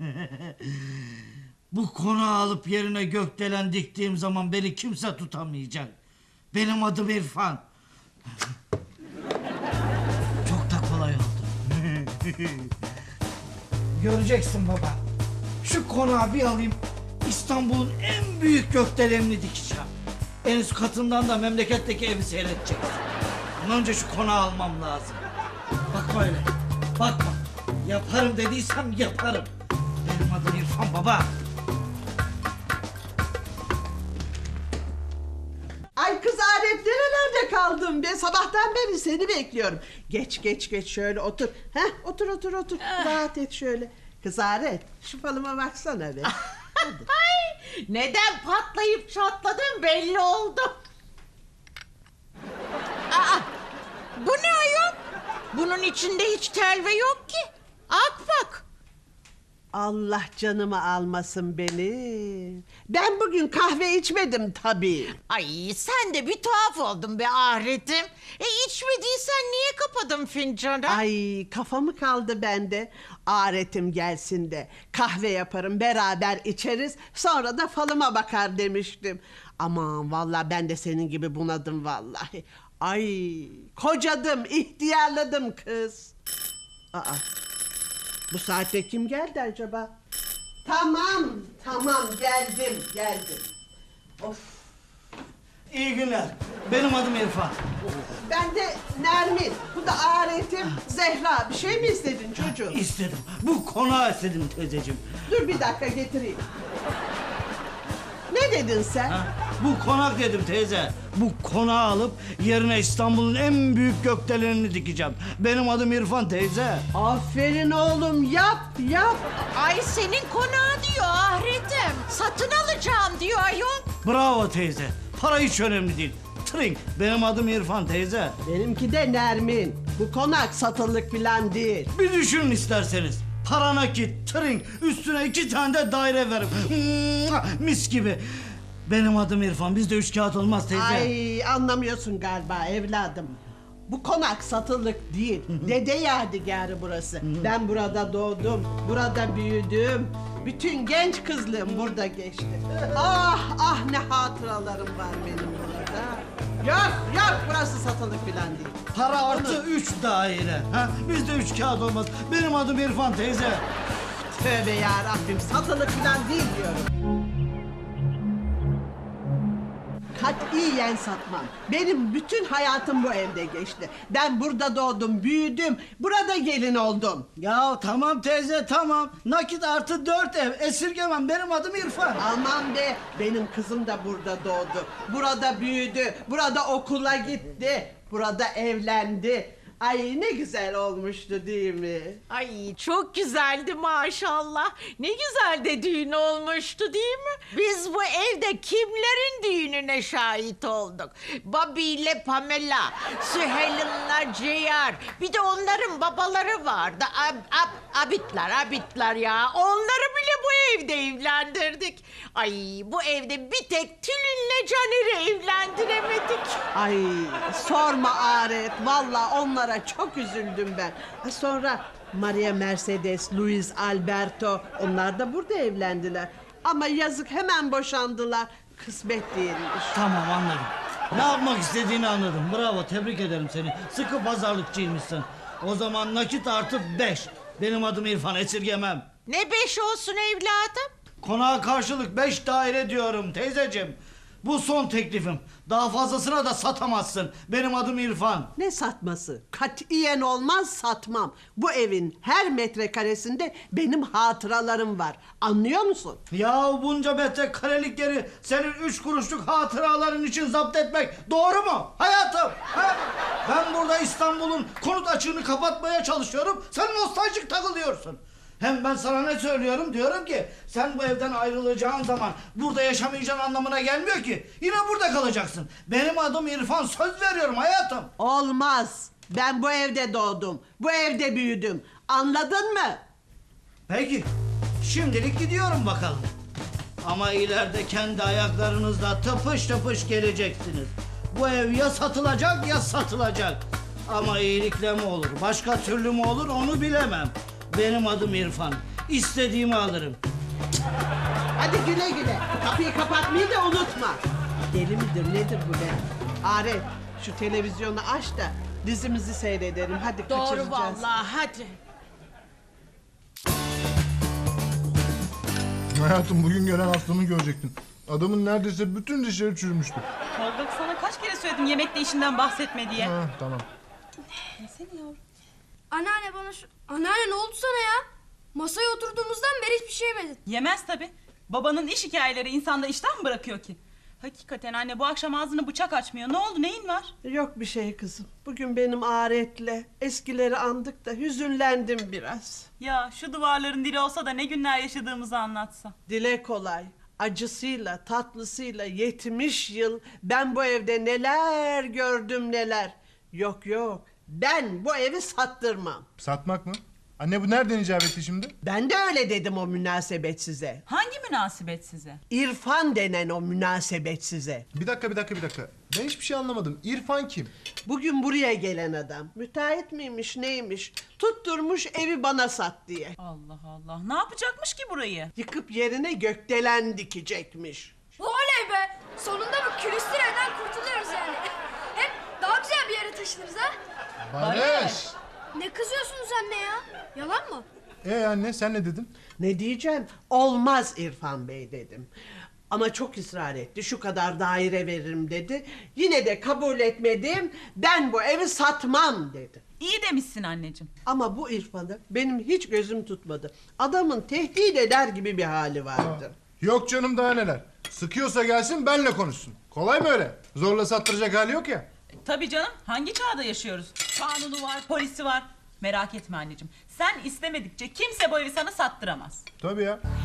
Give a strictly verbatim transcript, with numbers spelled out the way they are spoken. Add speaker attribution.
Speaker 1: Bu konağı alıp yerine gökdelen diktiğim zaman beni kimse tutamayacak. Benim adım İrfan. Çok da kolay oldu. Göreceksin baba. Şu konağı bir alayım. İstanbul'un en büyük gökdelenini dikeceğim. En üst katından da memleketteki evi seyredeceksin. Bundan önce şu konağı almam lazım. Bakma öyle. Bakma. Yaparım dediysem yaparım. Benim adım İrfan baba.
Speaker 2: Ay kız Arif, nerelerde kaldın be? Sabahtan beri seni bekliyorum. Geç geç geç şöyle otur. Heh, otur otur otur. Rahat et şöyle. Kız Arif, şu falıma baksana be. Hadi.
Speaker 3: Ay, neden patlayıp çatladın belli oldu. Aa, bu ne ayol? Bunun içinde hiç telve yok ki. Ak bak.
Speaker 2: Allah canımı almasın beni. Ben bugün kahve içmedim tabii.
Speaker 3: Ay sen de bir tuhaf oldun be Ahret'im. E içmediysen niye kapadın fincanı?
Speaker 2: Ay kafamı kaldı bende. Aretim gelsin de kahve yaparım, beraber içeriz, sonra da falıma bakar demiştim. Aman vallahi ben de senin gibi bunadım vallahi. Ay kocadım, ihtiyarladım kız. Aa, bu saatte kim geldi acaba? Tamam tamam, geldim geldim. Of.
Speaker 1: İyi günler. Benim adım İrfan.
Speaker 2: Ben de Nermin, bu da Aretim Zehra. Bir şey mi istedin çocuğum?
Speaker 1: İstedim. Bu konağı istedim teyzeciğim.
Speaker 2: Dur bir dakika getireyim. Ne dedin sen?
Speaker 1: Ha? Bu konak dedim teyze. Bu konağı alıp yerine İstanbul'un en büyük gökdelenini dikeceğim. Benim adım İrfan teyze.
Speaker 2: Aferin oğlum, yap yap.
Speaker 3: Ay senin konağı diyor Ahret'im. Satın alacağım diyor ayol.
Speaker 1: Bravo teyze. Para hiç önemli değil. Trink. Benim adım İrfan teyze.
Speaker 2: Benimki de Nermin. Bu konak satılık falan değil.
Speaker 1: Bir düşünün isterseniz. Para nakit, trink, üstüne iki tane de daire verim. Mua! Mis gibi. Benim adım İrfan. Bizde üç kağıt olmaz teyze.
Speaker 2: Ay anlamıyorsun galiba evladım. Bu konak satılık değil. Dede yadigarı burası. Ben burada doğdum, burada büyüdüm. Bütün genç kızlığım burada geçti. Ah ah ne hatıralarım var benim burada. Yok yok, burası satılık falan değil.
Speaker 1: Para artı üç daire. Ha? Bizde üç kağıt olmaz. Benim adım İrfan teyze.
Speaker 2: Tövbe yarabbim, satılık falan değil diyorum. Katiyen satmam. Benim bütün hayatım bu evde geçti. Ben burada doğdum, büyüdüm, burada gelin oldum.
Speaker 1: Ya tamam teyze tamam. Nakit artı dört ev. Esirgemem. Benim adım İrfan.
Speaker 2: Aman be, benim kızım da burada doğdu. Burada büyüdü, burada okula gitti, burada evlendi. Ay ne güzel olmuştu değil mi?
Speaker 3: Ay çok güzeldi maşallah. Ne güzel de düğün olmuştu değil mi? Biz bu evde kimlerin düğününe şahit olduk? Bobby ile Pamela, Süheyl'inle Ceyar. Bir de onların babaları vardı. Ab, ab, abitler, abitler ya. Onları bile bu evde evlendirdik. Ay bu evde bir tek Tülin'le Caner'i evlendiremedik.
Speaker 2: Ay sorma Aret, vallahi onlara çok üzüldüm ben. Ha, sonra Maria Mercedes, Luis Alberto, onlar da burada evlendiler. Ama yazık, hemen boşandılar. Kısmet değilmiş.
Speaker 1: Tamam anladım. Ne yapmak istediğini anladım. Bravo, tebrik ederim seni. Sıkı pazarlıkçıymışsın. O zaman nakit artı beş. Benim adım İrfan, esirgemem.
Speaker 3: Ne beş olsun evladım?
Speaker 1: Konağa karşılık beş daire diyorum teyzeciğim. Bu son teklifim. Daha fazlasına da satamazsın. Benim adım İrfan.
Speaker 2: Ne satması? Katiyen olmaz, satmam. Bu evin her metrekaresinde benim hatıralarım var. Anlıyor musun?
Speaker 1: Ya bunca metrekarelik yeri senin üç kuruşluk hatıraların için zapt etmek doğru mu hayatım? Ha? Ben burada İstanbul'un konut açığını kapatmaya çalışıyorum. Sen nostaljik takılıyorsun. Hem ben sana ne söylüyorum? Diyorum ki sen bu evden ayrılacağın zaman burada yaşamayacağın anlamına gelmiyor ki. Yine burada kalacaksın. Benim adım İrfan, söz veriyorum hayatım.
Speaker 2: Olmaz. Ben bu evde doğdum. Bu evde büyüdüm. Anladın mı?
Speaker 1: Peki. Şimdilik gidiyorum bakalım. Ama ileride kendi ayaklarınızla tıpış tıpış geleceksiniz. Bu ev ya satılacak ya satılacak. Ama iyilikle mi olur, başka türlü mü olur onu bilemem. Benim adım İrfan. istediğimi alırım.
Speaker 2: Hadi güle güle. Kapıyı kapatmayı da unutma. Deli midir nedir bu be? Arif şu televizyonu aç da dizimizi seyredelim. Hadi
Speaker 3: Doğru
Speaker 2: kaçıracağız.
Speaker 3: vallahi hadi.
Speaker 4: Hayatım bugün gelen hastamı görecektin. Adamın neredeyse bütün dişleri çürümüştü.
Speaker 5: Tolga sana kaç kere söyledim yemekte işinden bahsetme diye.
Speaker 4: Ha, tamam.
Speaker 5: Yesene yavrum.
Speaker 6: Anneanne bana şu... Anneanne ne oldu sana ya? Masaya oturduğumuzdan beri hiçbir şey yemedin.
Speaker 5: Yemez tabi. Babanın iş hikayeleri insanda iştah mı bırakıyor ki? Hakikaten anne bu akşam ağzını bıçak açmıyor. Ne oldu, neyin var?
Speaker 2: Yok bir şey kızım. Bugün benim aretle eskileri andık da hüzünlendim biraz.
Speaker 5: Ya şu duvarların dili olsa da ne günler yaşadığımızı anlatsa.
Speaker 2: Dile kolay. Acısıyla, tatlısıyla yetmiş yıl ben bu evde neler gördüm neler. Yok yok. Ben bu evi sattırmam.
Speaker 4: Satmak mı? Anne bu nereden icap etti şimdi?
Speaker 2: Ben de öyle dedim o münasebet size.
Speaker 5: Hangi münasebet size?
Speaker 2: İrfan denen o münasebet size.
Speaker 4: Bir dakika bir dakika bir dakika. Ben hiçbir şey anlamadım. İrfan kim?
Speaker 2: Bugün buraya gelen adam müteahhit miymiş neymiş tutturmuş evi bana sat diye.
Speaker 5: Allah Allah. Ne yapacakmış ki burayı?
Speaker 2: Yıkıp yerine gökdelen dikecekmiş.
Speaker 6: Oley be! Sonunda bu külüstüreden kurtuluyoruz yani. Hem daha güzel bir yere taşınırız ha.
Speaker 4: Barış!
Speaker 6: Ne kızıyorsunuz anne ya? Yalan mı?
Speaker 4: Ee anne sen ne dedin?
Speaker 2: Ne diyeceğim? Olmaz İrfan Bey dedim. Ama çok ısrar etti. Şu kadar daire veririm dedi. Yine de kabul etmedim. Ben bu evi satmam dedi.
Speaker 5: İyi demişsin anneciğim.
Speaker 2: Ama bu İrfan'ı benim hiç gözüm tutmadı. Adamın tehdit eder gibi bir hali vardı.
Speaker 4: Yok canım daha neler. Sıkıyorsa gelsin benle konuşsun. Kolay mı öyle? Zorla sattıracak hali yok ya.
Speaker 5: E, tabii canım. Hangi çağda yaşıyoruz? Kanunu var, polisi var. Merak etme anneciğim. Sen istemedikçe kimse bu evi sana sattıramaz.
Speaker 4: Tabii ya.